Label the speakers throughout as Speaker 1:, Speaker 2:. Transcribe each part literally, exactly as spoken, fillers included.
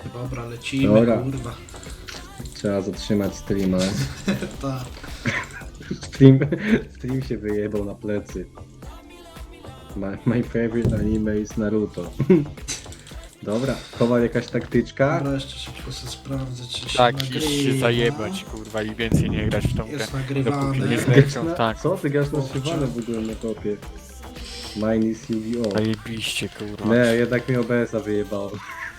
Speaker 1: Dobra, lecimy,
Speaker 2: Dobra.
Speaker 1: kurwa.
Speaker 2: Trzeba zatrzymać streama.
Speaker 1: Tak.
Speaker 2: Stream, stream się wyjebał na plecy. My, my favorite anime is Naruto. Dobra, chowa jakaś taktyczka.
Speaker 1: Dobra, jeszcze szybko sobie sprawdzę, czy się
Speaker 3: Tak,
Speaker 1: nagrywa.
Speaker 3: iść się zajebać, kurwa, i więcej nie grać w tą grę.
Speaker 1: Jest
Speaker 3: Dopóki
Speaker 1: nagrywane.
Speaker 3: nie
Speaker 2: Gasz
Speaker 3: zlecą,
Speaker 2: na,
Speaker 3: tak.
Speaker 2: co ty gasz na
Speaker 1: Kurczę.
Speaker 2: szywane w ogóle na topie? Mine is Yu-Gi-Oh!
Speaker 3: Zajebiście, kurwa.
Speaker 2: Nie, jednak mi O B S-a wyjebało.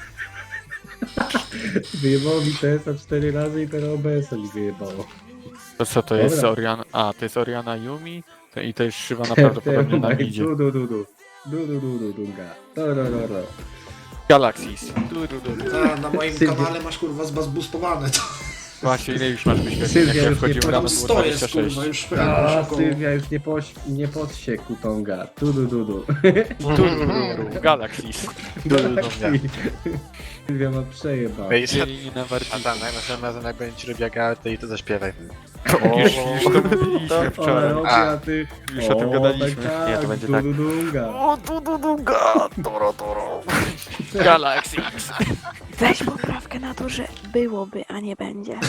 Speaker 2: Wyjebało mi T S a cztery razy i teraz O B S-a mi wyjebało.
Speaker 3: To co to jest
Speaker 2: Dobra.
Speaker 3: Oriana? A, to jest Oriana Yumi to, i to jest szywana prawdopodobnie na midzie.
Speaker 2: Du du du du. Du du du du dunga. Do do do do.
Speaker 3: Galaxies. Du, du, du, du.
Speaker 1: Ta, na moim
Speaker 2: Sylwia.
Speaker 1: kanale masz kurwa zbuzbowane to.
Speaker 3: Właśnie, ile już masz wyświetleń? Jak
Speaker 2: Sylwia
Speaker 3: ja
Speaker 2: już
Speaker 3: wchodziłem
Speaker 2: nie
Speaker 3: rano,
Speaker 1: Tam
Speaker 3: było
Speaker 1: sto jest
Speaker 3: dwadzieścia sześć.
Speaker 1: kurwa, już
Speaker 2: A,
Speaker 1: pewnie około.
Speaker 2: Sylwia już nie, poś, nie podsiekł tonga. Du du du du.
Speaker 3: Du, du, du, du. Galaxies. Du, du, du, du.
Speaker 2: Sylwia ma przejebał.
Speaker 4: Ej,
Speaker 3: Dzielili na
Speaker 4: a
Speaker 3: warci.
Speaker 4: tam, następnym razem jak będzie ci robiła galetę i to zaśpiewaj.
Speaker 3: Już, już to mówiliśmy
Speaker 2: Ale
Speaker 3: wczoraj.
Speaker 2: robię,
Speaker 4: A.
Speaker 2: a ty...
Speaker 3: Już o tym gadaliśmy.
Speaker 2: Tak, tak,
Speaker 4: Nie, to będzie
Speaker 2: du,
Speaker 4: tak.
Speaker 2: du, dunga.
Speaker 3: O, du, du, du, ga, toro, toro. Galaxies.
Speaker 5: Weź poprawkę na to, że byłoby, a nie będzie.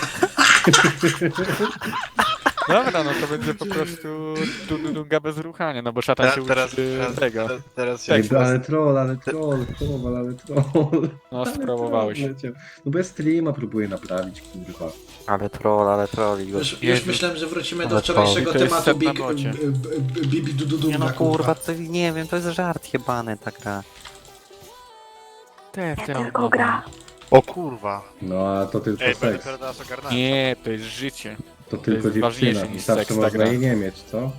Speaker 3: Dobra, no to będzie po prostu du, du, dunga bez ruchania, no bo szatan się
Speaker 4: Teraz,
Speaker 3: uczy
Speaker 4: teraz,
Speaker 3: tego.
Speaker 4: teraz, teraz
Speaker 2: Ej,
Speaker 4: się
Speaker 2: ale troll, ale troll, troll, ale troll.
Speaker 3: No,
Speaker 2: Ale
Speaker 3: spróbowałeś.
Speaker 2: troll leciał. No bez streama próbuję naprawić, kurwa.
Speaker 4: Ale troll, ale troll i go...
Speaker 1: Już, już
Speaker 3: Jezu.
Speaker 1: myślałem, że wrócimy do
Speaker 4: Ale
Speaker 1: wczorajszego
Speaker 3: to jest
Speaker 1: tematu
Speaker 3: set na
Speaker 1: Big,
Speaker 3: bocie.
Speaker 1: b- b- Bibi Dududunga,
Speaker 4: Nie no kurwa, to nie wiem, to jest żart jebany ta gra.
Speaker 3: Te,
Speaker 5: Nie
Speaker 3: te,
Speaker 5: tylko gra.
Speaker 4: O kurwa.
Speaker 2: No a to tylko
Speaker 4: Ej, będę
Speaker 2: seks.
Speaker 4: teraz nas ogarnąłem.
Speaker 3: Nie, to jest życie.
Speaker 2: To tylko
Speaker 3: jest ważniejsze
Speaker 2: dziewczyna.
Speaker 3: niż
Speaker 2: Zawsze
Speaker 3: seks, ta
Speaker 2: można
Speaker 3: gra.
Speaker 2: jej nie mieć, co?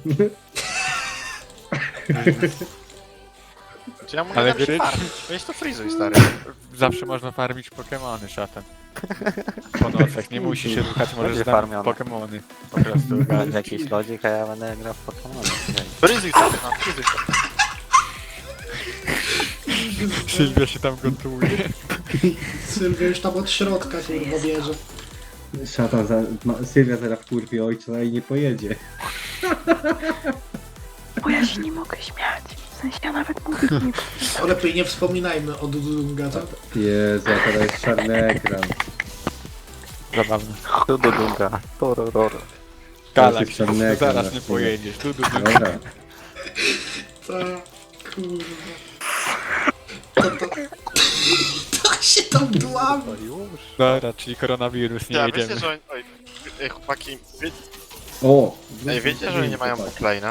Speaker 4: Czy ja mogę
Speaker 3: Ale
Speaker 4: ale
Speaker 3: gry-
Speaker 4: farmić? Weź to frizuj, stary.
Speaker 3: Zawsze można farmić Pokemony, szatan. Po nocach, nie musi się ruchać, możesz
Speaker 4: Będzie
Speaker 3: znaleźć
Speaker 4: farmione.
Speaker 3: Pokemony. Po prostu.
Speaker 4: Będzie jakiś lodzik, a ja będę grał w Pokemon. Frizuj to, no, frizuj to.
Speaker 3: Sylwia się tam gotuje.
Speaker 1: Sylwia już tam od środka kurwa bierze.
Speaker 2: Szatan, za, ma, Sylwia zaraz wkurwi ojca i nie pojedzie.
Speaker 5: Bo ja się nie mogę śmiać. W sensie ja nawet mówić nie
Speaker 1: O, lepiej nie wspominajmy o Dududunga, tak?
Speaker 2: Jezu, a teraz jest czarny ekran.
Speaker 3: Zabawne.
Speaker 4: Tu do dunga. Torororo.
Speaker 3: Galaxy,
Speaker 2: czarny ekran
Speaker 3: zaraz
Speaker 2: na
Speaker 3: nie
Speaker 2: chwilę.
Speaker 3: pojedziesz. Du, du, du.
Speaker 2: Dobra.
Speaker 1: Tak, kurwa. To, to... Tak się tam dłamy.
Speaker 3: Dobra, czyli koronawirus, nie
Speaker 4: Ja,
Speaker 3: jedziemy.
Speaker 4: wiecie, że oni... Oj, ej, chłopaki, wie...
Speaker 2: O!
Speaker 4: ej, wiecie, że oni nie mają bookplane'a?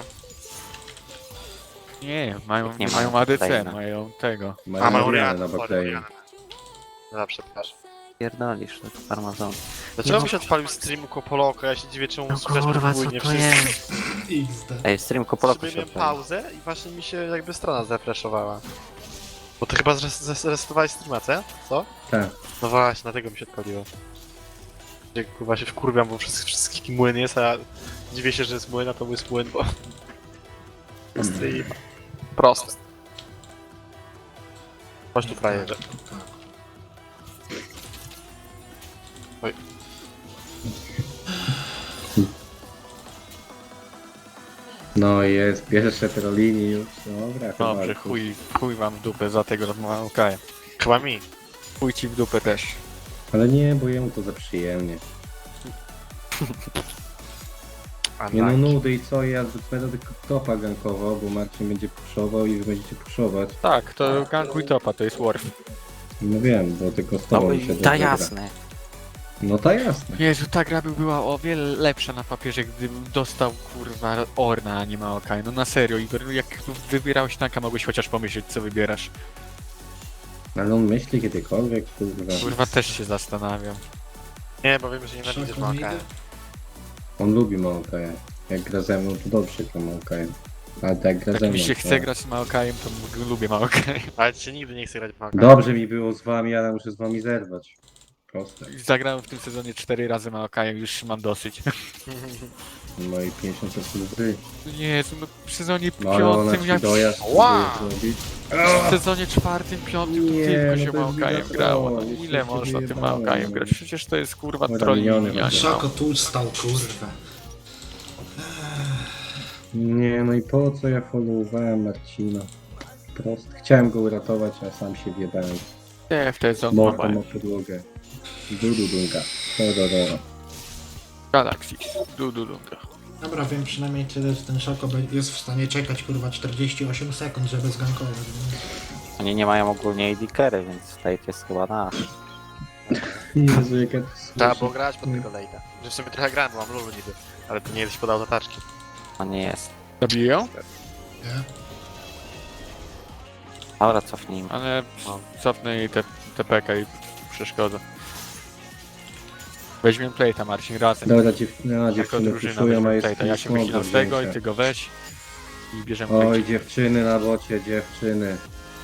Speaker 3: Nie, mają,
Speaker 4: Nie
Speaker 3: nie
Speaker 4: mają
Speaker 3: mają A D C,
Speaker 4: Backplane'a.
Speaker 3: mają tego.
Speaker 2: Mają
Speaker 4: A, mają
Speaker 2: Orianę
Speaker 4: Rianę,
Speaker 2: na
Speaker 4: sorry,
Speaker 2: backplane'u.
Speaker 4: Rianę. No, przepraszam.
Speaker 6: Pierdolisz, to jest farmazon.
Speaker 4: Dlaczego mi się odpalił streamu Kopoloko? Ja się dziwię, czemu słychać podwójnie wszystko.
Speaker 1: iks de.
Speaker 6: Ej, stream Kopoloko
Speaker 4: Sobie
Speaker 6: się
Speaker 4: miałem
Speaker 6: odpalił.
Speaker 4: pauzę i właśnie mi się jakby strona zrefreshowała. Bo ty chyba zres- zrestartowałeś streama, co? Co?
Speaker 2: Tak.
Speaker 4: No właśnie, dlatego mi się odpaliło. Gdzie kurwa się wkurwiam, bo wszystkich, wszystkich młyn jest, a ja dziwię się, że jest młyn, a to jest młyn, bo... bo stream. Proste. Chodź tu frajerze. Oj.
Speaker 2: No i jest, pierwsze trolini już. Dobra, chyba.
Speaker 3: Dobrze, chuj, chuj wam w dupę za tego rozmawiania.
Speaker 4: Chyba mi.
Speaker 3: Chuj ci w dupę też.
Speaker 2: Ale nie, bo jemu to za przyjemnie.
Speaker 4: A
Speaker 2: Nie no
Speaker 4: tak.
Speaker 2: nudy i co, ja będę tylko topa gankował, bo Marcin będzie puszował i wy będziecie puszować.
Speaker 3: Tak, to gankuj topa, to jest Warf.
Speaker 2: No wiem, bo tylko z
Speaker 6: No
Speaker 2: tobą
Speaker 6: i
Speaker 2: się
Speaker 6: ta
Speaker 2: dobrze gra.
Speaker 6: jasne.
Speaker 2: No ta jasne.
Speaker 3: Jezu, ta gra by była o wiele lepsza na papierze, gdybym dostał kurwa Orna, a nie Maokai. No na serio, Igor, jak wybierałeś tanka, mogłeś chociaż pomyśleć, co wybierasz.
Speaker 2: Ale on myśli kiedykolwiek, kurwa.
Speaker 3: Kurwa, też się zastanawiam.
Speaker 4: Nie, bo wiem, że nienawidzisz
Speaker 1: Szako
Speaker 4: Maka.
Speaker 1: idę.
Speaker 2: On lubi Maokaja. Jak gra ze mną, to dobrze gra Maokajem. Ale tak jak gra ze
Speaker 3: Jak
Speaker 2: mną,
Speaker 3: mi się
Speaker 2: to...
Speaker 3: chce grać z Maokajem, to m- lubię Maokaj.
Speaker 4: Ale ci się nigdy nie chce grać w Maka.
Speaker 2: Dobrze mi było z wami, ale muszę z wami zerwać. Proste.
Speaker 3: Zagrałem w tym sezonie cztery razy Maokajem, już mam dosyć.
Speaker 2: No i pięćdziesiąt procent gry.
Speaker 3: Jezu, no w sezonie
Speaker 2: No ale ona
Speaker 3: piątym,
Speaker 2: ci
Speaker 3: jak
Speaker 2: dojazd
Speaker 4: Wow!
Speaker 2: próbuje zrobić.
Speaker 3: w sezonie czwartym, piątym to
Speaker 2: Nie,
Speaker 3: tylko
Speaker 2: no
Speaker 3: się
Speaker 2: to jest
Speaker 3: Maokajem
Speaker 2: mega
Speaker 3: grało. No
Speaker 2: troll,
Speaker 3: ile
Speaker 2: jeszcze się
Speaker 3: można tym
Speaker 2: wyjebałem,
Speaker 3: Maokajem
Speaker 2: no.
Speaker 3: grać? Przecież to jest kurwa
Speaker 2: Dobra,
Speaker 3: trolling,
Speaker 2: miniony
Speaker 3: a nie
Speaker 2: właśnie.
Speaker 3: no.
Speaker 1: Szako tu stał, kurwa.
Speaker 2: Nie, no i po co ja followowałem Marcina? Proste. Chciałem go uratować, a sam się wjebałem.
Speaker 3: Nie, w tej zonie
Speaker 2: Morto ma podłogę. Dudu dunga. Do, do, do.
Speaker 3: Galaxis. Du, du, du.
Speaker 1: Dobra, wiem przynajmniej tyle, że ten Szako be- jest w stanie czekać kurwa czterdzieści osiem sekund, żeby zgankować.
Speaker 6: Oni nie mają ogólnie A D carry, więc Tate jest chyba nasz.
Speaker 2: Jezu, jaka to
Speaker 4: Trzeba
Speaker 2: słyszy.
Speaker 4: było grać pod tego late'a. Że w sumie trochę grałem, bo mam lulu niby. Ale to nie jesteś podał zataczki.
Speaker 6: A nie jest.
Speaker 3: Zabiją?
Speaker 1: Nie?
Speaker 6: Dobra, cofnijmy.
Speaker 3: Ale
Speaker 6: No.
Speaker 3: cofnę jej te, te P K i przeszkoda. Weźmiemy plate'a, Marcin, razem.
Speaker 2: Dobra, dziew... no,
Speaker 3: Jako
Speaker 2: dziewczyny
Speaker 3: drużyna
Speaker 2: puszują, a
Speaker 3: weźmiemy
Speaker 2: jest
Speaker 3: plate'a. Ja się
Speaker 2: smog
Speaker 3: wychylam
Speaker 2: do
Speaker 3: z tego i
Speaker 2: wzięcia.
Speaker 3: ty go weź. I bierzemy
Speaker 2: Oj,
Speaker 3: plate.
Speaker 2: dziewczyny na bocie, dziewczyny.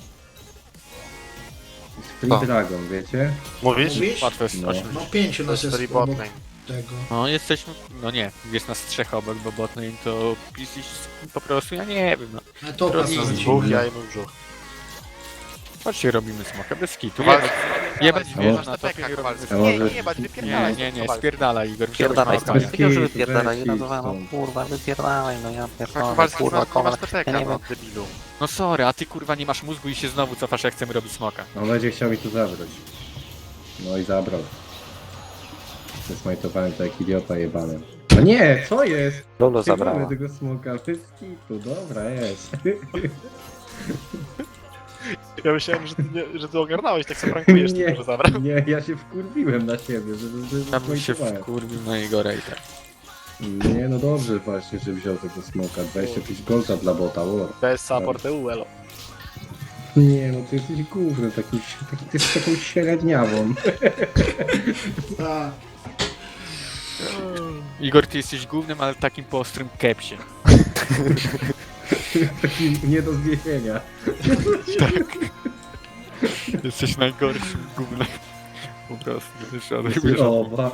Speaker 2: Free
Speaker 4: Co?
Speaker 2: Dragon, wiecie?
Speaker 4: Mówisz?
Speaker 1: Mówisz?
Speaker 3: Łatwo jest,
Speaker 2: No.
Speaker 3: oczywiście.
Speaker 1: No pięciu
Speaker 4: To
Speaker 1: nas
Speaker 4: jest
Speaker 1: jest
Speaker 4: story
Speaker 1: obok
Speaker 4: botlane.
Speaker 1: tego.
Speaker 3: No jesteśmy, no nie, jest nas trzech obok, bo botlane to jesteś po prostu, ja nie wiem, no.
Speaker 1: A to
Speaker 3: Drogi
Speaker 1: pasuje.
Speaker 4: Dwóch, ja i mój brzuch.
Speaker 3: Chodźcie, robimy smoka bez kitu.
Speaker 4: Kowal-
Speaker 3: Jebać
Speaker 2: A
Speaker 3: wieżę
Speaker 2: może-
Speaker 3: na topie, nie robimy
Speaker 2: A
Speaker 3: smoka.
Speaker 4: Nie,
Speaker 2: może-
Speaker 4: nie, jebać,
Speaker 3: Nie,
Speaker 4: wypierdalaj.
Speaker 3: nie, nie,
Speaker 4: Kowal.
Speaker 3: spierdalaj Igor, wziąłeś
Speaker 6: Wypierdalaj
Speaker 3: smoka.
Speaker 6: stąd.
Speaker 2: Bez
Speaker 6: Wiedział, że
Speaker 2: kitu,
Speaker 6: wypierdalaj.
Speaker 2: bez
Speaker 6: Ja
Speaker 2: kitu
Speaker 6: nazywam,
Speaker 2: stąd.
Speaker 6: kurwa, wypierdalaj, no ja pierdolę,
Speaker 4: Kowalski,
Speaker 6: kurwa,
Speaker 4: nie
Speaker 6: kowal.
Speaker 4: masz T P K,
Speaker 6: Ja nie
Speaker 4: no,
Speaker 6: wiem.
Speaker 4: debilu.
Speaker 3: No sorry, a ty kurwa nie masz mózgu i się znowu cofasz jak chcemy robić smoka.
Speaker 2: On będzie chciał mi tu zabrać. No i zabrał. Zesmajtowałem to jak idiota jebany. No nie, co jest?
Speaker 6: Lulu
Speaker 2: Nie
Speaker 6: zabrała.
Speaker 2: mamy tego smoka, bez kitu, dobra jest.
Speaker 4: Ja myślałem, że ty, nie, że ty ogarnąłeś, tak sobie prankujesz,
Speaker 2: Nie.
Speaker 4: tylko że zabrał.
Speaker 2: Nie, ja się wkurwiłem na siebie, że, że, że
Speaker 3: Tam bym się
Speaker 2: zesmajtowałem.
Speaker 3: wkurwił na Igora i tak.
Speaker 2: Nie, no dobrze właśnie, że wziął tego smoka. dwadzieścia pięć golda dla bota, war.
Speaker 4: Bez support E U, elo.
Speaker 2: Nie, no ty jesteś główny, taki, taki, ty jesteś taką średniawą.
Speaker 1: A,
Speaker 3: Igor, ty jesteś głównym, ale takim po ostrym kepsie.
Speaker 2: Taki nie do zniesienia.
Speaker 3: Jesteś najgorszym gównem. Po prostu, wiesz, ale
Speaker 2: Jesteś
Speaker 3: wiesz,
Speaker 2: oba.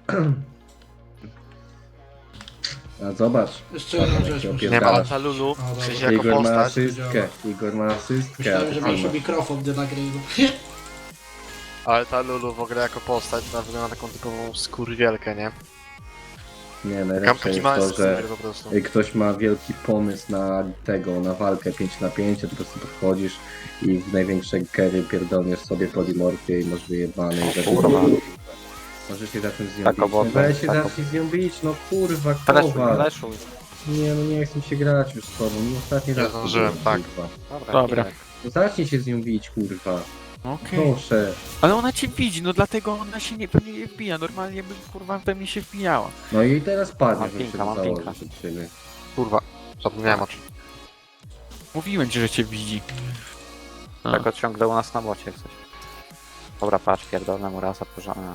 Speaker 2: A zobacz.
Speaker 1: jeszcze jedną
Speaker 2: Patrz,
Speaker 1: rzecz
Speaker 2: jak
Speaker 1: muszę...
Speaker 2: się
Speaker 4: Nie ma, ale
Speaker 2: opierdalasz.
Speaker 4: ta Lulu,
Speaker 1: A,
Speaker 4: w sensie
Speaker 1: dobra.
Speaker 4: jako
Speaker 2: Igor ma
Speaker 4: postać,
Speaker 2: asystkę, Igor ma asystkę.
Speaker 1: Myślałem, że
Speaker 2: a ty
Speaker 1: masz
Speaker 2: masz-
Speaker 1: mikrofon do nagrywu.
Speaker 4: ale ta Lulu w ogóle jako postać, ona wygląda na taką typową skórwielkę, nie?
Speaker 2: Nie,
Speaker 4: Kam,
Speaker 2: najlepsze
Speaker 4: taki
Speaker 2: jest
Speaker 4: mały
Speaker 2: to, że
Speaker 4: skurwiel po prostu.
Speaker 2: jak ktoś ma wielki pomysł na tego, na walkę pięć na pięć, to po prostu podchodzisz i w największej kery pierdolniesz sobie polimorfię i masz wyjebane i żeby...
Speaker 6: Kurwa.
Speaker 2: Możesz się zacząć z nią
Speaker 6: Tak,
Speaker 2: bić.
Speaker 6: obok,
Speaker 2: No weź się
Speaker 6: tak,
Speaker 2: zacznij z nią bić, no kurwa,
Speaker 6: Fleszuj,
Speaker 2: kowal.
Speaker 6: fleszuj.
Speaker 2: Nie, no nie chcę się grać już z tobą, no ostatni
Speaker 4: Nie
Speaker 2: raz.
Speaker 4: zdążyłem,
Speaker 2: to
Speaker 4: tak.
Speaker 2: było, Kurwa.
Speaker 3: Dobra.
Speaker 6: Kirek.
Speaker 2: No zacznij się z nią bić, kurwa.
Speaker 3: Okej.
Speaker 2: Proszę.
Speaker 3: Ale ona cię widzi, no dlatego ona się nie, pewnie nie wbija. Normalnie by kurwa we mnie się wbijała.
Speaker 2: No i teraz padnie,
Speaker 6: Mam
Speaker 2: żeby się
Speaker 6: pinka, mam
Speaker 2: założyć
Speaker 6: pinka.
Speaker 2: od ciebie.
Speaker 4: Kurwa, zapomniałem o czym.
Speaker 3: Mówiłem ci, że cię widzi. A.
Speaker 6: Tak ciągle u nas na bocie jak coś. Dobra, patrz, pierdolę mu raz, a porządnie.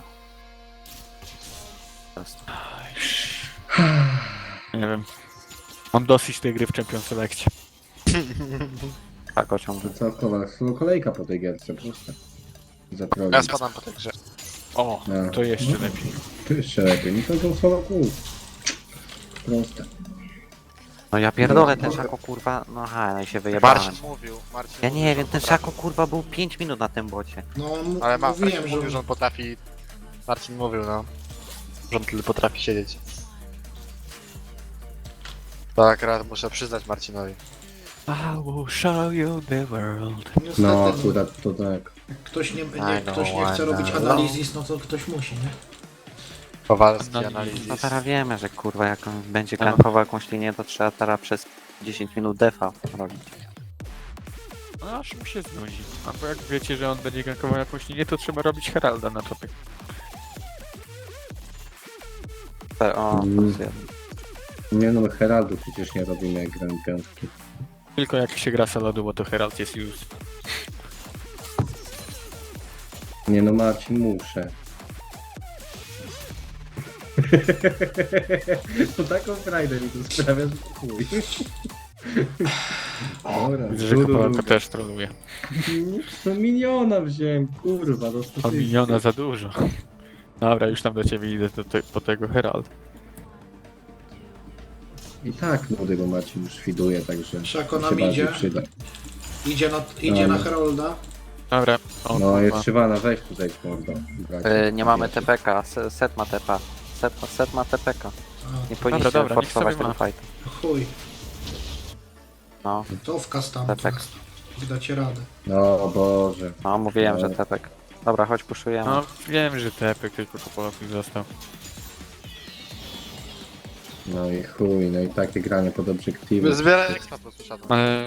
Speaker 3: Nie wiem. Mam dosyć tej gry w Champions Select.
Speaker 6: Tak go ciągle.
Speaker 2: To co, kowal, solo kolejka po tej gierce, proste. Zatroli.
Speaker 4: Ja spadam po tej grze.
Speaker 3: O,
Speaker 2: No.
Speaker 3: to jeszcze
Speaker 2: No.
Speaker 3: lepiej.
Speaker 2: To jeszcze lepiej, mi to są solo kół. Proste.
Speaker 6: No ja pierdolę, ten szako kurwa, no aha, no i się wyjebałem.
Speaker 4: Marcin mówił, Marcin
Speaker 6: Ja
Speaker 4: mówił,
Speaker 6: nie
Speaker 4: że
Speaker 6: wiem,
Speaker 4: on
Speaker 6: ten
Speaker 4: potrafi.
Speaker 6: szako kurwa był pięć minut na tym bocie.
Speaker 1: No, m-
Speaker 4: Ale ma,
Speaker 1: mówiłem,
Speaker 4: Marcin
Speaker 1: że...
Speaker 4: mówił, że on potrafi... Marcin mówił, no. Że on tyle potrafi siedzieć. Tak, raz muszę przyznać Marcinowi.
Speaker 3: I will show you the world.
Speaker 1: Niestety,
Speaker 2: No
Speaker 1: no,
Speaker 2: akurat to tak.
Speaker 1: jak ktoś nie,
Speaker 4: I
Speaker 1: nie,
Speaker 4: know,
Speaker 1: ktoś nie chce
Speaker 4: I
Speaker 1: robić
Speaker 4: know.
Speaker 1: analizis, no to ktoś musi, nie?
Speaker 4: Kowalski,
Speaker 3: Analizis.
Speaker 4: analizis.
Speaker 6: No teraz wiemy, że kurwa jak on będzie
Speaker 3: No.
Speaker 6: gankował jakąś linię, to trzeba teraz przez dziesięć minut defa robić.
Speaker 3: No aż mu się znudzi. Albo jak wiecie, że on będzie gankował jakąś linię, to trzeba robić Heralda na topie.
Speaker 6: Te- O,
Speaker 2: Mm.
Speaker 6: plus jeden.
Speaker 2: Nie no, Heraldu przecież nie robimy jak gramy piątki.
Speaker 3: Tylko jak się gra solodu, bo to Herald jest już.
Speaker 2: Nie no, Marcin, muszę. To taką frajdę mi tu sprawia, że chuj. Dobra,
Speaker 3: Widzę, że
Speaker 2: du, du,
Speaker 3: Kopałka
Speaker 2: du.
Speaker 3: też troluje.
Speaker 2: No miniona wziąłem, kurwa, do
Speaker 3: A
Speaker 2: statystyki.
Speaker 3: miniona za dużo. Dobra, już tam do ciebie idę do te, po tego Herald.
Speaker 2: I tak nudy, bo Marcin już widuje, także
Speaker 1: Szako
Speaker 2: mi
Speaker 1: nam
Speaker 2: się bardziej
Speaker 1: idzie.
Speaker 2: przyda.
Speaker 1: Idzie na, idzie
Speaker 2: No.
Speaker 1: na Herolda.
Speaker 3: Dobra, o
Speaker 2: No
Speaker 3: kurwa.
Speaker 2: jest Szywana, weź tu zejdź mordo.
Speaker 6: Yy, nie mamy T P K, se- set ma T P. Set, set ma T P K.
Speaker 1: A,
Speaker 6: Nie powinniśmy
Speaker 3: dobra, niech
Speaker 6: forsować
Speaker 3: sobie
Speaker 6: tego
Speaker 3: ma.
Speaker 6: fightu.
Speaker 1: chuj,
Speaker 6: No,
Speaker 1: to wkaz tam.
Speaker 6: Tak, tak.
Speaker 1: wkaz. Jak dacie radę.
Speaker 2: No Boże.
Speaker 6: No, mówiłem, że
Speaker 2: No.
Speaker 6: tepek. Dobra, chodź puszujemy.
Speaker 3: No wiem, że tepek tylko Kopolowi został.
Speaker 2: No i chuj, no i takie granie pod obiektywy.
Speaker 4: Zbieraj ekstra po prostu siadł.
Speaker 3: Ale...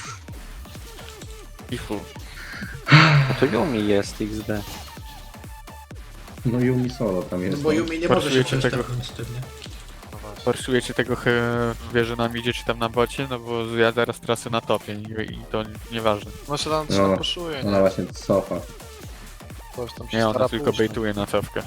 Speaker 3: I fu.
Speaker 6: No to Yumi jest X D.
Speaker 2: No Yumi solo tam
Speaker 1: No
Speaker 2: jest.
Speaker 1: bo
Speaker 2: no.
Speaker 1: Yumi nie może się
Speaker 3: Forsujecie
Speaker 1: przejść
Speaker 3: tego.
Speaker 1: tepnąć z tym, nie?
Speaker 4: No właśnie.
Speaker 3: Forsujecie tego he... wieży na midzie czy tam na bocie, no bo ja zaraz trasę na topie i, i to nieważne.
Speaker 4: No się tam
Speaker 2: No.
Speaker 4: no. poszuje,
Speaker 2: Ona
Speaker 4: nie?
Speaker 2: właśnie cofa.
Speaker 4: Coś tam się
Speaker 3: Nie, ona
Speaker 4: stara
Speaker 3: tylko
Speaker 4: pójść,
Speaker 3: bejtuje na cofkę.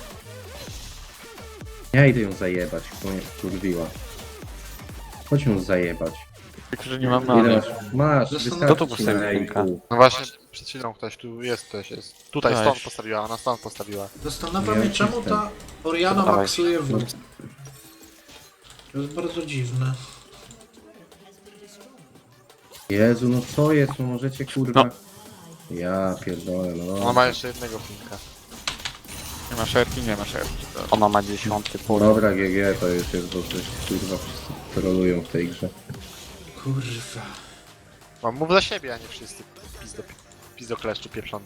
Speaker 2: Ja idę ją zajebać, bo mnie wkurwiła. Chodź ją zajebać.
Speaker 3: Tylko, że nie mam
Speaker 2: Ile
Speaker 3: many.
Speaker 2: masz? Masz,
Speaker 1: Zresztą-
Speaker 2: wystarczy
Speaker 6: Kto tu
Speaker 2: ci na
Speaker 6: postawił
Speaker 2: ręku.
Speaker 4: No właśnie, przed chwilą ktoś tu jest, ktoś jest. Tutaj
Speaker 3: Cześć.
Speaker 4: stąd postawiła, ona stąd postawiła.
Speaker 1: Zastanawiam
Speaker 2: Ja
Speaker 1: się, czemu
Speaker 2: jestem.
Speaker 1: ta Oriana
Speaker 6: Dawaj.
Speaker 1: maksuje w... To jest bardzo dziwne.
Speaker 2: Jezu, no co jest? No możecie kurwa...
Speaker 3: No.
Speaker 2: Ja pierdolę, no.
Speaker 4: Ona ma jeszcze jednego pinka.
Speaker 3: Nie ma szerki, nie ma szerki. To...
Speaker 6: Ona ma dziesiąty poziom.
Speaker 2: Dobra, G G to już jest, bo coś kurwa wszyscy trolują w tej grze.
Speaker 1: Kurwa.
Speaker 4: Mam mów za siebie, a nie wszyscy. Pizdo, pizdo kleszczu pieprzony.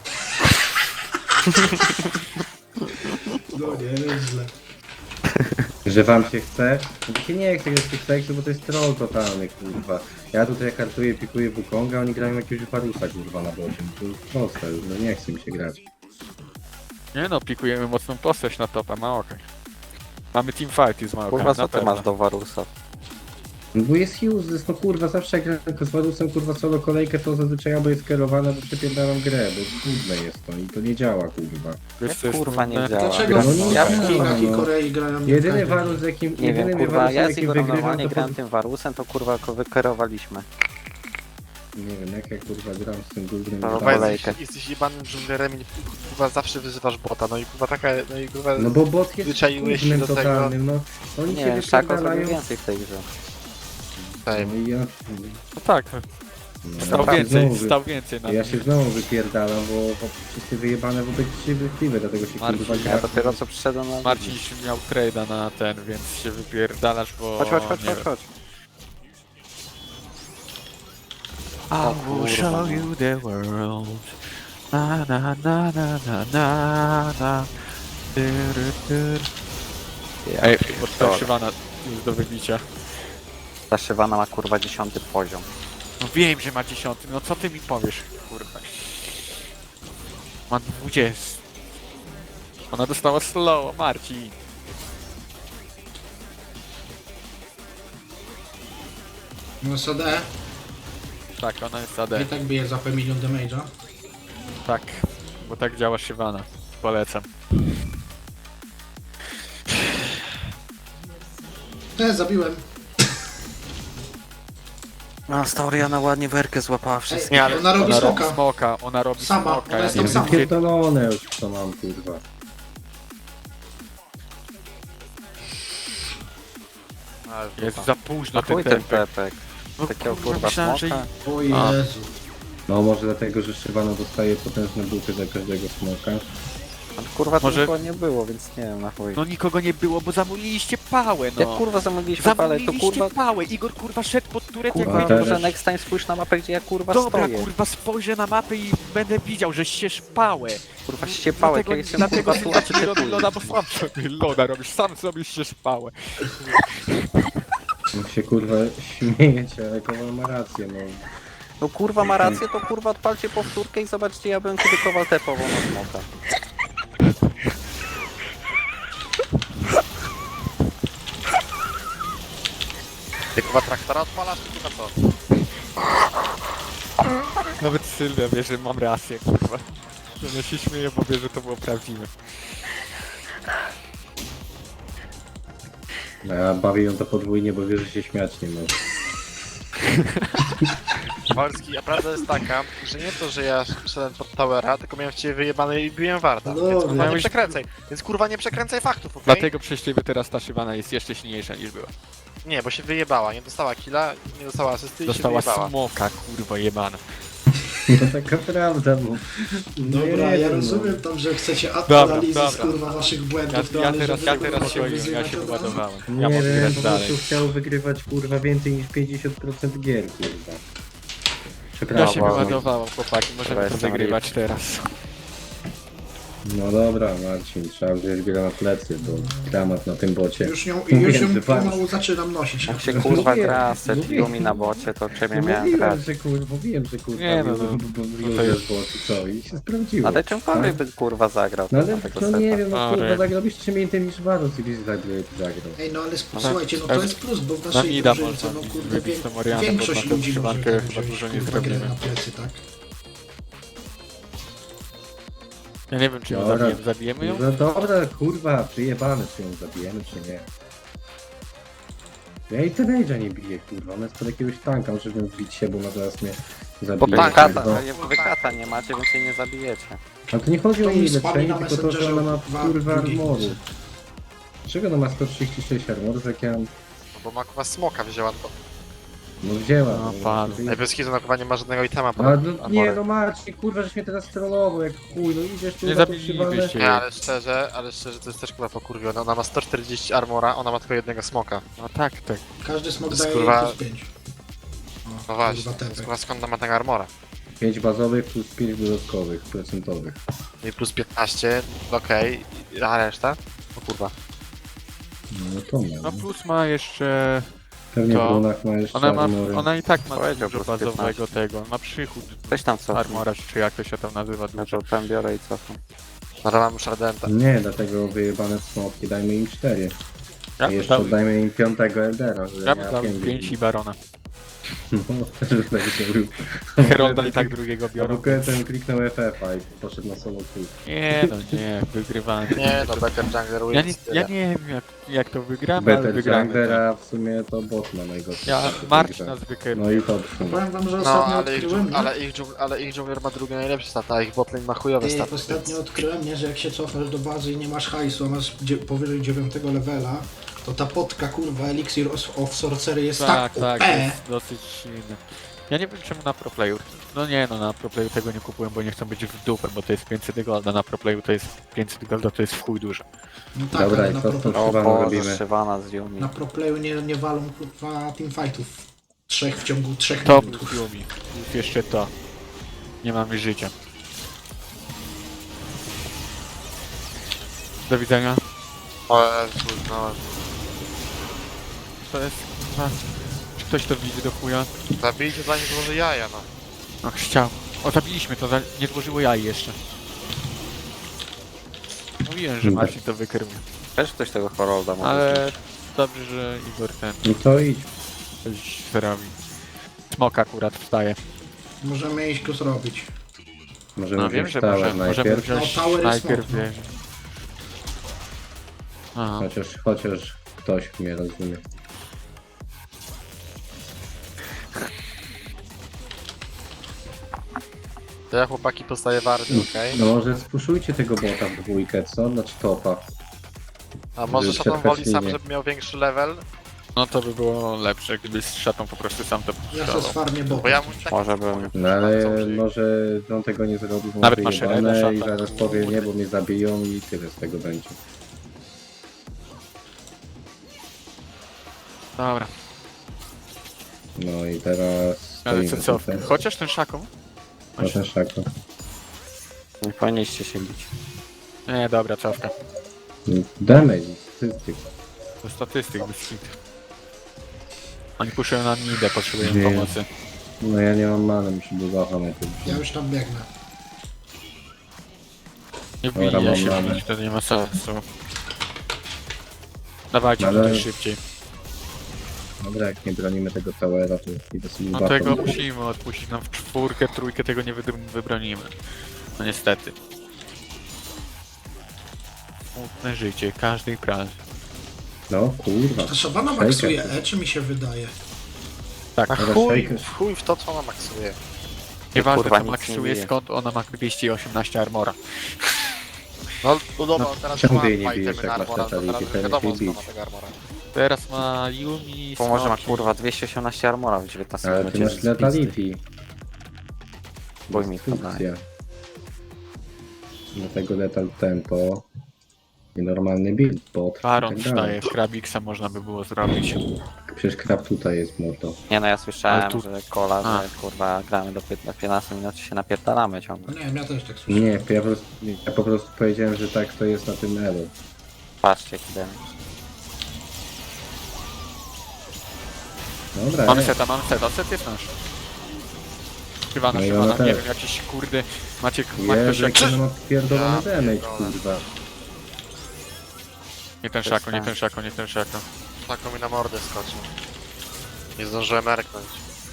Speaker 1: No nie, nieźle.
Speaker 2: Że wam się chce? No to się nie chce grać w tych seksu, bo to jest troll totalny, kurwa. Ja tutaj kartuję, pikuję Wukonga, oni grają jakiegoś Warusa, kurwa, na bocie. No to jest proste, już, no nie chce mi się grać.
Speaker 3: Nie no, pikujemy mocną postać na topa, Maokaj. Mamy teamfighty z Maokaj,
Speaker 6: Kurwa,
Speaker 3: na
Speaker 6: co ty
Speaker 3: pewno.
Speaker 6: masz do Warusa?
Speaker 2: No bo jest useless, no kurwa, zawsze jak gram z Warusem, kurwa, solo kolejkę, to zazwyczaj albo jest kierowane, bo przepierdalam grę, bo trudne jest to i to nie działa, kurwa.
Speaker 3: Wiesz, co jest
Speaker 6: Kurwa, nie
Speaker 3: trudne?
Speaker 6: działa.
Speaker 1: Dlaczego
Speaker 2: no
Speaker 1: w
Speaker 2: nie
Speaker 1: ja
Speaker 2: działa,
Speaker 1: w Chinach i
Speaker 2: no.
Speaker 1: Korei grają nie w
Speaker 2: Jedyny
Speaker 1: każdym?
Speaker 2: Warus, z jakim,
Speaker 6: Nie
Speaker 2: jedynym
Speaker 6: wiem, kurwa,
Speaker 2: Warusem,
Speaker 6: ja z
Speaker 2: jakim
Speaker 6: Igorem
Speaker 2: wygrywam,
Speaker 6: normalnie
Speaker 2: to
Speaker 6: grałem
Speaker 2: pod...
Speaker 6: tym Warusem, to kurwa go wykierowaliśmy.
Speaker 2: Nie wiem, jak ja kurwa gram z tym głównym...
Speaker 6: No,
Speaker 4: Kurwa,
Speaker 6: kolejkę.
Speaker 4: jesteś, jesteś jebanym dżunglerem i kurwa zawsze wyzywasz bota, no i kurwa taka, no i kurwa...
Speaker 2: No bo bot jest
Speaker 4: Zwyczaiłeś się
Speaker 2: głównym
Speaker 4: do tego.
Speaker 2: totalnym, no. Oni
Speaker 6: Nie
Speaker 2: się
Speaker 6: wiem, Szako zrobił
Speaker 2: wypierdalają.
Speaker 6: więcej w tej grze.
Speaker 4: Tutaj,
Speaker 2: No i ja...
Speaker 3: No tak,
Speaker 2: No,
Speaker 3: stał
Speaker 2: ja się
Speaker 3: więcej,
Speaker 2: znowu
Speaker 3: stał więcej na
Speaker 2: Ja
Speaker 3: tym.
Speaker 2: się znowu wypierdalam, bo, bo wszyscy wyjebane w obiektywy, dlatego się
Speaker 3: Marcin,
Speaker 2: kurwa
Speaker 6: Ja
Speaker 2: gra.
Speaker 6: dopiero co przyszedłem na...
Speaker 3: Marcin miał trade'a na ten, więc się wypierdalasz, bo...
Speaker 6: Chodź, chodź, chodź,
Speaker 3: nie
Speaker 6: chodź,
Speaker 3: wiem.
Speaker 6: chodź.
Speaker 3: I will
Speaker 6: kurwa,
Speaker 3: show
Speaker 6: no.
Speaker 3: you the world. Na na na na na na na. Tyry, tyry. Ej,
Speaker 6: Dobra.
Speaker 3: Szywana jest do wybicia.
Speaker 6: Ta Shyvana ma kurwa dziesiąty poziom.
Speaker 3: No wiem, że ma dziesiąty, no co ty mi powiesz, kurwa. Ma dwudziesty. Ona dostała slow, Marcin.
Speaker 1: No S A D
Speaker 3: Tak, ona jest
Speaker 1: i
Speaker 3: A D.
Speaker 1: tak bije za P milion damage'a.
Speaker 3: Tak, bo tak działa Shyvana. Polecam.
Speaker 1: E, zabiłem.
Speaker 6: No, Stauriana ładnie werkę złapała wszystko.
Speaker 1: Ej,
Speaker 3: Nie, ale
Speaker 1: ona robi
Speaker 3: ona robi
Speaker 1: smoka.
Speaker 3: smoka, ona robi
Speaker 1: Sama,
Speaker 3: smoka.
Speaker 1: ona
Speaker 3: ja
Speaker 1: jest
Speaker 3: nie
Speaker 1: tam
Speaker 3: wiem,
Speaker 1: sama.
Speaker 3: gdzie-
Speaker 2: Pierdolone już co mam, kurwa.
Speaker 4: ale
Speaker 3: Jest
Speaker 4: tam.
Speaker 3: za późno
Speaker 6: A
Speaker 3: ten
Speaker 6: chuj ten
Speaker 3: tempek.
Speaker 6: tepek.
Speaker 3: No
Speaker 6: Takiego
Speaker 3: kurwa,
Speaker 6: kurwa
Speaker 3: myślałem, że...
Speaker 6: smoka.
Speaker 1: O
Speaker 3: A.
Speaker 1: Jezu.
Speaker 2: No może dlatego, że Szybano dostaje potężne buty za każdego smoka.
Speaker 6: Ale kurwa to
Speaker 3: Może-
Speaker 6: nikogo nie było, więc nie wiem na chuj.
Speaker 3: No nikogo nie było, bo zamówiliście pałę,
Speaker 6: Jak
Speaker 3: no.
Speaker 6: kurwa zamówiliśmy palę, to
Speaker 3: Zamówiliście
Speaker 6: kurwa...
Speaker 3: pałę, Igor kurwa szedł pod turet
Speaker 6: Kurwa,
Speaker 3: jak...
Speaker 2: teraz-
Speaker 6: może next time spójrz na mapę, gdzie ja kurwa
Speaker 3: Dobra,
Speaker 6: stoję.
Speaker 3: kurwa, spojrzę na mapę i będę widział, że ścież pałę.
Speaker 6: Kurwa ściepałek, ja jestem
Speaker 3: dlatego
Speaker 6: kurwa tu, a
Speaker 3: dlatego
Speaker 6: ty
Speaker 3: nie robię
Speaker 6: typuj.
Speaker 3: loda, bo sam sobie loda robisz, sam sobie ścież pałę.
Speaker 2: No się kurwa śmiejecie, ale Kowal ma rację, no.
Speaker 6: No kurwa ma rację, to kurwa odpalcie powtórkę i zobaczcie, ja bym kiedy Kowal tepował na smoka.
Speaker 4: Ty kurwa traktora odpalasz, czy kurwa co?
Speaker 3: Nawet Sylwia wie, że mam rację, kurwa. Ja się śmieję, bo wie, że to było prawdziwe.
Speaker 2: No ja bawię ją to podwójnie, bo wie, że się śmiać nie może.
Speaker 4: Walski, a prawda jest taka, że nie to, że ja szedłem pod towera, tylko miałem w ciebie wyjebane i biłem warta.
Speaker 1: No,
Speaker 4: Więc kurwa nie
Speaker 3: miałeś-
Speaker 4: przekręcaj. Więc kurwa nie przekręcaj faktów, okej?
Speaker 3: Dlatego przez ciebie teraz ta Szywana jest jeszcze silniejsza niż była.
Speaker 4: Nie, bo się wyjebała, nie dostała killa, nie dostała asysty i
Speaker 3: Dostała
Speaker 4: się wyjebała.
Speaker 3: smoka, kurwa jebana.
Speaker 2: No taka prawda, bo... No
Speaker 1: Dobra,
Speaker 2: nie
Speaker 1: ja
Speaker 2: wiem,
Speaker 1: rozumiem tam, że chcecie
Speaker 3: Dobra,
Speaker 1: analizy z
Speaker 3: dobra.
Speaker 1: kurwa waszych
Speaker 3: Ja,
Speaker 1: błędów, no
Speaker 3: ja
Speaker 1: ale
Speaker 3: teraz,
Speaker 1: żeby
Speaker 3: ja
Speaker 1: kurwa
Speaker 3: teraz
Speaker 1: się
Speaker 3: swoim, ja
Speaker 1: wyzywać
Speaker 3: się
Speaker 1: od razu.
Speaker 3: wyładowałem.
Speaker 2: No.
Speaker 3: Ja
Speaker 2: Nie
Speaker 3: mogę
Speaker 2: wiem,
Speaker 3: grać
Speaker 2: po
Speaker 3: dalej.
Speaker 2: prostu chciał wygrywać kurwa więcej niż pięćdziesiąt procent gier, kurwa.
Speaker 3: Ja
Speaker 2: Przepraszam.
Speaker 3: się
Speaker 6: Brawo.
Speaker 3: wyładowało, chłopaki, możemy
Speaker 6: Dobra,
Speaker 3: to
Speaker 6: jestem
Speaker 3: wygrywać teraz.
Speaker 2: No dobra, Marcin, trzeba wziąć go na plecy, bo dramat na tym bocie.
Speaker 1: Już ją,
Speaker 2: Mówiłem,
Speaker 1: już ją
Speaker 2: że pan-
Speaker 1: pomału zaczynam nosić.
Speaker 6: Jak się
Speaker 2: No
Speaker 6: kurwa
Speaker 2: mówiłem,
Speaker 6: gra z
Speaker 2: mówiłem.
Speaker 6: Setligumi na bocie, to ciebie
Speaker 2: No
Speaker 6: miałem
Speaker 2: mówiłem,
Speaker 6: grać.
Speaker 2: że kurwa, mówiłem, że kurwa,
Speaker 3: Nie, no, no,
Speaker 2: bo, bo, bo,
Speaker 3: to jest-
Speaker 2: bo, co, i się sprawdziło.
Speaker 6: Ale czymkolwiek by kurwa zagrał.
Speaker 2: No
Speaker 6: to
Speaker 2: ale
Speaker 6: na tego
Speaker 2: no
Speaker 6: seta.
Speaker 2: nie wiem, no
Speaker 3: Ale-
Speaker 2: kurwa, tak robisz czym innym niż Varus i byś zagrał, zagrał.
Speaker 1: Ej, no ale sp-
Speaker 3: No
Speaker 1: słuchajcie, no
Speaker 3: tak.
Speaker 1: to jest plus, bo w
Speaker 3: Na
Speaker 1: naszej
Speaker 3: mida
Speaker 1: drużynce,
Speaker 3: można
Speaker 1: no kurde,
Speaker 3: wybić
Speaker 1: wiek,
Speaker 3: tą Orianę, bo
Speaker 1: większość
Speaker 3: na tą
Speaker 1: ludzi może
Speaker 3: trzymankę
Speaker 1: tak
Speaker 3: chyba
Speaker 1: wziąć,
Speaker 3: dużo nie
Speaker 1: kurwa, grę
Speaker 3: zrobimy.
Speaker 1: na plecy, tak?
Speaker 3: Ja nie wiem, czy ją
Speaker 2: Dobra.
Speaker 3: zabijemy, zabijemy ją?
Speaker 2: No dobra, kurwa, przyjebane, czy ją zabijemy, czy nie. Ja i Tenage'a nie biję, kurwa, ona jest pod jakiegoś tanka, muszę ją wbić się, bo ona zaraz mnie
Speaker 6: Bo
Speaker 2: zabije.
Speaker 6: tankata,
Speaker 2: kurwa.
Speaker 6: wy kata nie macie, więc jej nie zabijecie.
Speaker 2: Ale to nie chodzi o
Speaker 1: To mi
Speaker 2: jej
Speaker 1: spadli
Speaker 2: leczenie,
Speaker 1: na
Speaker 2: tylko to, że
Speaker 1: Messengerze
Speaker 2: ona ma
Speaker 1: dwa
Speaker 2: kurwa
Speaker 1: drugiej
Speaker 2: armoru.
Speaker 1: nocy.
Speaker 2: Dlaczego ona ma sto trzydzieści sześć armorów, jak ja mam...
Speaker 4: No bo ma kurwa smoka wzięła, to...
Speaker 2: No wzięła.
Speaker 3: No,
Speaker 2: no,
Speaker 3: pan.
Speaker 2: to-
Speaker 4: Ej, bez kitu na kurwa nie ma żadnego itema pod
Speaker 2: A, no, nie
Speaker 4: armorem.
Speaker 2: no Marcin, kurwa, żeś mnie teraz trollował, jak chuj, no idziesz tu
Speaker 3: Nie
Speaker 2: na to przywalę.
Speaker 3: zabilibyście
Speaker 4: Nie,
Speaker 3: jej.
Speaker 4: ale szczerze, ale szczerze to jest też kurwa pokurwione. Ona ma sto czterdzieści armora, ona ma tylko jednego smoka.
Speaker 3: No tak, tak.
Speaker 1: Każdy smok
Speaker 4: To jest,
Speaker 1: daje
Speaker 4: kurwa,
Speaker 1: plus pięć.
Speaker 4: No właśnie,
Speaker 1: kurwa,
Speaker 4: to jest
Speaker 1: tepek.
Speaker 4: kurwa skąd ona ma tego armora?
Speaker 2: pięć bazowych plus pięć dodatkowych, procentowych.
Speaker 4: No i plus piętnaście, okej, a reszta? O kurwa.
Speaker 2: No to ma.
Speaker 3: No
Speaker 2: No.
Speaker 3: plus ma jeszcze...
Speaker 2: Pewnie
Speaker 3: to-
Speaker 2: w runach ma jeszcze
Speaker 3: Ona ma,
Speaker 2: armory.
Speaker 3: ona i tak ma
Speaker 6: Powiedział
Speaker 3: dużo
Speaker 6: plus
Speaker 3: bazowego
Speaker 6: piętnaście.
Speaker 3: tego. Ma przychód
Speaker 6: Weź tam co?
Speaker 3: armora, czy jak to się tam nazywa.
Speaker 6: Ja
Speaker 3: Dużo.
Speaker 6: to tam biorę i cofam.
Speaker 4: No to mam już Ardenta.
Speaker 2: Nie, dlatego wyjebane smoki, dajmy im cztery.
Speaker 3: Ja
Speaker 2: A
Speaker 3: bym
Speaker 2: jeszcze
Speaker 3: dał,
Speaker 2: dajmy im piątego Eldera, że
Speaker 3: ja bym dał
Speaker 2: pięć
Speaker 3: pięć i Barona.
Speaker 2: No, że tak zrobił.
Speaker 3: Herolda i tak drugiego
Speaker 2: A
Speaker 3: biorą.
Speaker 2: bo ten kliknął F F a i poszedł na solo kill.
Speaker 3: Nie no, nie, wygrywamy.
Speaker 4: Nie no, Better Jungler
Speaker 3: Ja
Speaker 4: wins.
Speaker 3: nie, ja nie wiem jak, jak to wygramy, ale
Speaker 2: Better
Speaker 3: wygramy.
Speaker 2: Jungler, a w sumie to bot ma najgorszy.
Speaker 3: Ja,
Speaker 2: stat w tej
Speaker 3: Marcin
Speaker 2: grze.
Speaker 3: nas wykrył.
Speaker 2: No i to w sumie.
Speaker 1: Powiem wam, że
Speaker 4: No,
Speaker 1: ostatnio
Speaker 4: ale ich,
Speaker 1: odkryłem,
Speaker 4: dżung-
Speaker 1: nie?
Speaker 4: ale, ich dżung- ale ich jungler ma drugie najlepsze staty, a ich botlane ma chujowe
Speaker 1: Ty,
Speaker 4: staty.
Speaker 1: ostatnio odkryłem, nie, że jak się cofasz do bazy i nie masz hajsu, a masz dzie- powyżej dziewiątego levela, to ta potka, kurwa, Elixir of, of Sorcery jest tak,
Speaker 3: Tak, tak,
Speaker 1: O P.
Speaker 3: jest dosyć silny. Ja nie wiem czemu na proplayu. No nie no, na proplayu tego nie kupuję, bo nie chcę być w dupę, bo to jest pięćset golda, na proplayu to jest pięćset golda, to jest w chuj dużo.
Speaker 1: No tak,
Speaker 2: Dobra,
Speaker 1: ale
Speaker 2: i
Speaker 1: na,
Speaker 2: co
Speaker 1: pro,
Speaker 2: z tą
Speaker 6: O
Speaker 2: Szywaną
Speaker 6: Boże,
Speaker 2: robimy?
Speaker 6: Szywana z Yumi.
Speaker 1: na proplayu nie, nie walą, kurwa, teamfightów. Trzech w ciągu trzech
Speaker 3: Top
Speaker 1: minut.
Speaker 3: Yumi. Plus jeszcze to. Nie mamy życia. Do widzenia.
Speaker 4: O, Jezu, no,
Speaker 3: To jest kurwa. Czy ktoś to widzi do chuja?
Speaker 4: zabijcie zanim złoży jaja, no.
Speaker 3: Ach, chciał. O, zabiliśmy to, za- nie złożyło jaj jeszcze. Mówiłem, że
Speaker 2: Dobra.
Speaker 3: Marcin to wykrył.
Speaker 6: Też ktoś tego Herolda ma.
Speaker 3: Ale dobrze, że Igor ten
Speaker 2: No to idź.
Speaker 3: coś zrobi. Smok akurat wstaje.
Speaker 1: Możemy iść go zrobić.
Speaker 2: Możemy
Speaker 3: No wiem,
Speaker 2: wziąć
Speaker 3: że
Speaker 2: tower
Speaker 3: może, możemy
Speaker 2: najpierw.
Speaker 3: wziąć
Speaker 1: No, tower jest
Speaker 3: najpierw
Speaker 1: smok, no.
Speaker 3: wieżę. Aha.
Speaker 2: Chociaż, chociaż ktoś mnie rozumie.
Speaker 4: To ja chłopaki postaję wardy, okej?
Speaker 2: No może spuszujcie tego bota w dwójkę, co? Znaczy topa.
Speaker 4: A może
Speaker 2: Żeby
Speaker 4: Szatan
Speaker 2: przetrwać
Speaker 4: woli sam,
Speaker 2: linię.
Speaker 4: żeby miał większy level?
Speaker 3: No to by było lepsze, gdyby z szatą po prostu sam to
Speaker 1: Ja se
Speaker 3: puszczał.
Speaker 1: sfarmię
Speaker 4: Bo
Speaker 1: bota.
Speaker 4: ja mu tak...
Speaker 6: Może bym.
Speaker 2: No ale
Speaker 4: Co będzie?
Speaker 2: może on tego nie zrobi, bo
Speaker 3: Nawet
Speaker 2: ma
Speaker 3: masz
Speaker 2: wyjebane
Speaker 3: Reda,
Speaker 2: i
Speaker 3: szata.
Speaker 2: zaraz powie nie, bo mnie zabiją i tyle z tego będzie.
Speaker 3: Dobra,
Speaker 2: No i teraz
Speaker 3: ale
Speaker 2: stoimy
Speaker 3: co, co?
Speaker 2: tutaj.
Speaker 3: Chociaż ten szaką?
Speaker 2: No ten szako.
Speaker 6: Nie powinniście się bić.
Speaker 3: Nie, dobra, cofka.
Speaker 2: Damage, statystyk.
Speaker 3: To statystyk bez hit. Oni puszują na nidę, potrzebują
Speaker 2: Nie.
Speaker 3: pomocy.
Speaker 2: No ja nie mam many, muszę bugaffa najpierw.
Speaker 1: Ja już tam biegnę.
Speaker 3: Nie
Speaker 2: Dobra,
Speaker 3: wbija
Speaker 2: mam
Speaker 3: się,
Speaker 2: manę.
Speaker 3: bić, to nie ma sensu. Dawajcie
Speaker 2: Ale-
Speaker 3: tutaj szybciej.
Speaker 2: Dobra, jak nie bronimy tego towera, to idę sobie
Speaker 3: No
Speaker 2: buffem.
Speaker 3: tego musimy odpuścić, nam w czwórkę, trójkę tego nie wydr- wybronimy. No niestety. Smutne życie, każdej pracy.
Speaker 2: No kurwa.
Speaker 1: Ta szabana
Speaker 2: Shaker.
Speaker 1: maksuje E, czy mi się wydaje?
Speaker 3: Tak,
Speaker 4: A
Speaker 2: Dobra,
Speaker 4: chuj,
Speaker 2: Shaker.
Speaker 4: chuj w to, co ona maksuje.
Speaker 3: nieważne
Speaker 6: kurwa,
Speaker 3: co
Speaker 6: nic nie
Speaker 3: maksuje,
Speaker 6: bije.
Speaker 3: skąd ona ma dwieście osiemnaście armora.
Speaker 4: No, no dobra,
Speaker 2: No,
Speaker 4: teraz
Speaker 2: czemu
Speaker 4: ma
Speaker 2: ty jej nie
Speaker 4: dwa
Speaker 2: bijesz,
Speaker 4: itemy
Speaker 2: jak
Speaker 4: na
Speaker 2: masz
Speaker 4: armora, to
Speaker 2: fatality?
Speaker 4: teraz
Speaker 2: Ten
Speaker 4: wiadomo
Speaker 2: lepiej
Speaker 4: skąd ma
Speaker 2: bić.
Speaker 4: tego armora.
Speaker 3: Teraz ma Yumi,
Speaker 6: Bo może ma
Speaker 3: Smoki.
Speaker 6: kurwa dwieście osiemnaście armora w dziewiętnastym
Speaker 2: Ale ty
Speaker 6: minucie
Speaker 2: masz
Speaker 6: z pizdy.
Speaker 2: letality.
Speaker 6: Bój mi to
Speaker 2: Destrukcja. Do tego letal tempo. I normalny build, bot.
Speaker 3: Baron
Speaker 2: i tak dalej.
Speaker 3: wstaje, Krabiksa można by było zrobić.
Speaker 2: Przecież krab tutaj jest mordo.
Speaker 6: Nie no, ja słyszałem,
Speaker 3: Ale tu-
Speaker 6: że kola,
Speaker 3: A.
Speaker 6: że kurwa gramy do piętnastu minut, się napierdalamy
Speaker 1: No
Speaker 6: ciągle.
Speaker 1: nie wiem, ja też tak słyszałem.
Speaker 2: Nie, ja po prostu, ja po prostu powiedziałem, że tak to jest na tym elu.
Speaker 6: Patrzcie, kiedy.
Speaker 2: Dobra,
Speaker 3: Mamy
Speaker 2: nie.
Speaker 3: seta, mamy seta, set jest nasz. Szywano,
Speaker 2: No i
Speaker 3: szywano,
Speaker 2: ona
Speaker 3: nie
Speaker 2: też.
Speaker 3: wiem, jakiś kurde... Macie, ma ktoś
Speaker 2: Jezu,
Speaker 3: jakiś...
Speaker 2: jaki on ma pierdolony
Speaker 4: Ja
Speaker 2: damage,
Speaker 4: pierdolę.
Speaker 2: kurwa.
Speaker 3: Nie ten szako, nie ten szako, nie ten szako.
Speaker 4: Taką mi na mordę skoczył. Nie zdążyłem erknąć.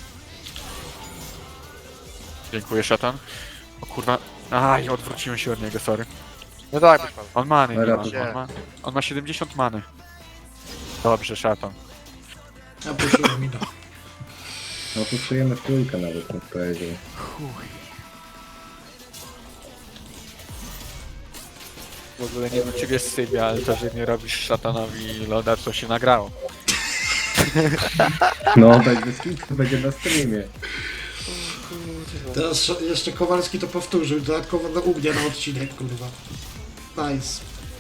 Speaker 3: Dziękuję, szatan. O kurwa... Aj, odwróciłem się od niego, sorry.
Speaker 4: No tak, byś pan.
Speaker 3: On many nie ma,
Speaker 2: Dobra.
Speaker 3: on ma, on ma siedemdziesiąt many. Dobrze, szatan.
Speaker 1: Ja puściłem mi to.
Speaker 2: No puszczujemy w trójkę nawet, bym powiedział.
Speaker 3: W ogóle nie wiem, czy wiesz, Sylwia, ale to, że nie robisz szatanowi loda, to się nagrało.
Speaker 2: No, będzie skip, będzie na streamie.
Speaker 1: Teraz jeszcze Kowalski to powtórzył, dodatkowo na u mnie na odcinek, kurwa. Nice.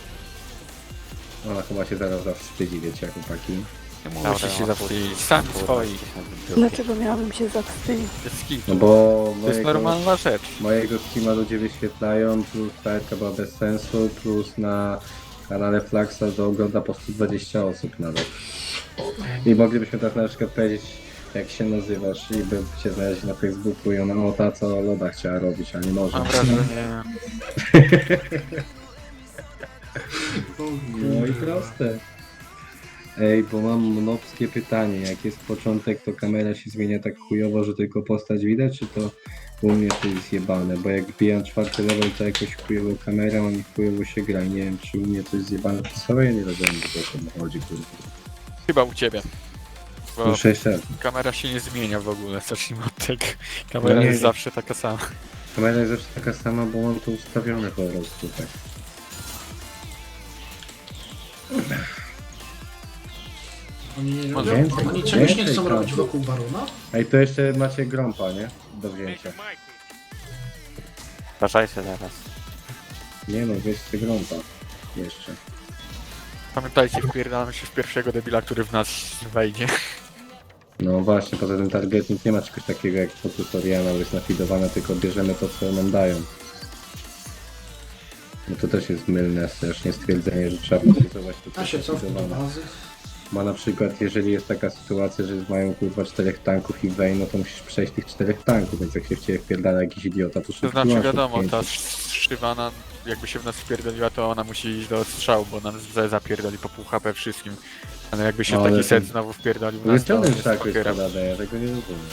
Speaker 2: Ona chyba się zaraz zawstydzi, wiecie, chłopaki.
Speaker 3: Nie mówię, że się zawstydzić. Sam swoi.
Speaker 5: Dlaczego miałabym się zawstydzić?
Speaker 3: Bez
Speaker 2: No
Speaker 3: kitu.
Speaker 2: bo
Speaker 3: To jest
Speaker 2: mojego,
Speaker 3: normalna rzecz.
Speaker 2: mojego streama ludzie wyświetlają, plus ta etka była bez sensu, plus na kanale Flaxa to ogląda po sto dwadzieścia osób nawet. I moglibyśmy teraz na przykład powiedzieć, jak się nazywasz i by cię znaleźli na Facebooku i ona o ta co Loda chciała robić, a nie może.
Speaker 3: Mam wrażenie...
Speaker 2: No i proste. Ej, bo mam nopskie pytanie. Jak jest początek, to kamera się zmienia tak chujowo, że tylko postać widać, czy to u mnie to jest zjebane? Bo jak wbijam czwarty level, to jakoś chujowo kamera, a mi chujowo się gra. Nie wiem, czy u mnie to jest zjebane. To sobie ja nie rozumiem, do czego chodzi, kurwa.
Speaker 3: Chyba u ciebie. Bo
Speaker 2: Muszę jeszcze raz.
Speaker 3: kamera się nie zmienia w ogóle, zacznijmy od tego. Kamera
Speaker 2: No nie,
Speaker 3: jest
Speaker 2: nie.
Speaker 3: zawsze taka sama.
Speaker 2: Kamera jest zawsze taka sama, bo mam to ustawione po prostu, tak.
Speaker 1: Oni nie
Speaker 2: Może
Speaker 1: robią,
Speaker 2: więcej,
Speaker 1: oni czegoś nie
Speaker 2: więcej
Speaker 1: chcą
Speaker 2: tam.
Speaker 1: robić wokół Barona?
Speaker 2: Ej, to jeszcze macie grąpa, nie? Do wzięcia.
Speaker 6: Uważajcie teraz.
Speaker 2: Nie no, weźcie grąpa. Jeszcze.
Speaker 3: Pamiętajcie, wpierdalamy się w pierwszego debila, który w nas wejdzie.
Speaker 2: No właśnie, poza tym targetnik nie ma czegoś takiego jak po tutorialu, jest nafidowane, tylko bierzemy to, co nam dają. No to też jest mylne strasznie stwierdzenie, że trzeba nafidować to, co
Speaker 1: A się
Speaker 2: jest
Speaker 1: cofnę do
Speaker 2: nafidowane.
Speaker 1: bazy.
Speaker 2: Ma na przykład, jeżeli jest taka sytuacja, że mają kurwa czterech tanków i wej, no to musisz przejść tych czterech tanków, więc jak się w ciebie wpierdala jakiś idiota, to
Speaker 3: To
Speaker 2: szybko
Speaker 3: znaczy
Speaker 2: masz
Speaker 3: wiadomo, ta
Speaker 2: odpięcie.
Speaker 3: szywana jakby się w nas wpierdoliła, to ona musi iść do strzału, bo nam z- zapierdoli po pół H P wszystkim. Ale jakby się
Speaker 2: Ale
Speaker 3: taki
Speaker 2: to-
Speaker 3: set znowu wpierdolił w
Speaker 2: No
Speaker 3: nas,
Speaker 2: jest
Speaker 3: to
Speaker 2: pełen
Speaker 3: jest
Speaker 2: szak jest
Speaker 3: pokieram.
Speaker 2: podane, ja tego nie rozumiem.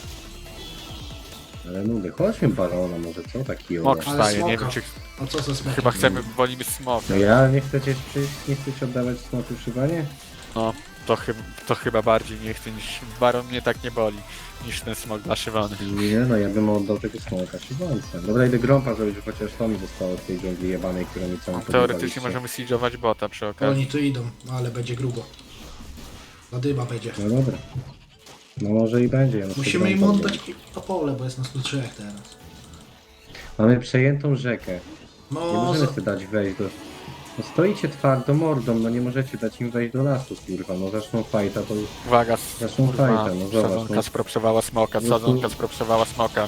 Speaker 2: Ale nudy, chodźmy barona może, co taki
Speaker 3: Smok
Speaker 2: ola?
Speaker 1: Ale
Speaker 3: wstaje, nie
Speaker 1: smoka.
Speaker 3: wiem czy...
Speaker 1: A co ze smokiem?
Speaker 3: Chyba chcemy, wolimy smok.
Speaker 2: No ja nie chcecie przyjść, nie chcecie oddawać smoku szywanie?
Speaker 3: No, to, chyba, to chyba bardziej nie chcę niż... Baron mnie tak nie boli, niż ten smok dla szywany.
Speaker 2: Nie no, ja bym oddał tego smoka szybance. Dobra, idę grąpa zrobić, że chociaż to mi zostało z tej dżungli jebanej, która mi całą
Speaker 3: Teoretycznie możemy siege'ować bota przy okazji.
Speaker 1: Oni tu idą, no ale będzie grubo. Zadyma będzie.
Speaker 2: No dobra. No może i będzie. Ja na
Speaker 1: Musimy im
Speaker 2: grąpa
Speaker 1: oddać
Speaker 2: zrobię.
Speaker 1: to pole, bo jest nas tu trzech teraz.
Speaker 2: Mamy przejętą rzekę. Nie
Speaker 1: No,
Speaker 2: możemy
Speaker 1: za...
Speaker 2: sobie dać wejść do... No stoicie twardo mordą, no nie możecie dać im wejść do lasu, kurwa. No zaczną fajta, to już...
Speaker 3: Uwaga,
Speaker 2: Zresztą
Speaker 3: kurwa,
Speaker 2: fajta, no zobacz,
Speaker 3: sadzonka
Speaker 2: no.
Speaker 3: spropsowała smoka,
Speaker 2: No tu-
Speaker 3: sadzonka spropsowała smoka.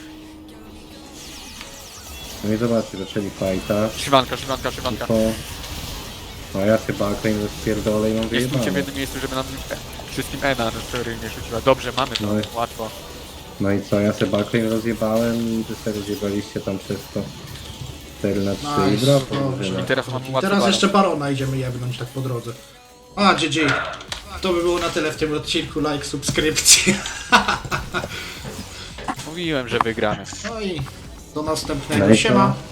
Speaker 2: No i zobaczcie, zaczęli fajta.
Speaker 3: Szywanka, szywanka, szywanka.
Speaker 2: To... No ja chyba Akrein rozpierdolę i mam
Speaker 3: Nie stójcie w
Speaker 2: wyjebane.
Speaker 3: jednym miejscu, żeby nam wszystkim Ena który nie rzuciła. Dobrze, mamy to,
Speaker 2: No i-
Speaker 3: łatwo.
Speaker 2: No i co, ja sobie Akrein rozjebałem i wy sobie rozjebaliście tam przez to cztery na trzy i
Speaker 1: Nice,
Speaker 2: brawo.
Speaker 1: dobrze.
Speaker 2: drużyna.
Speaker 3: I teraz mamy łatwo
Speaker 1: Teraz
Speaker 3: baron.
Speaker 1: jeszcze Barona idziemy jebnąć tak po drodze. A, G G. To by było na tyle w tym odcinku. Like, subskrypcja.
Speaker 3: Mówiłem, że wygramy.
Speaker 1: No i do następnego.
Speaker 2: No i co?
Speaker 1: Siema.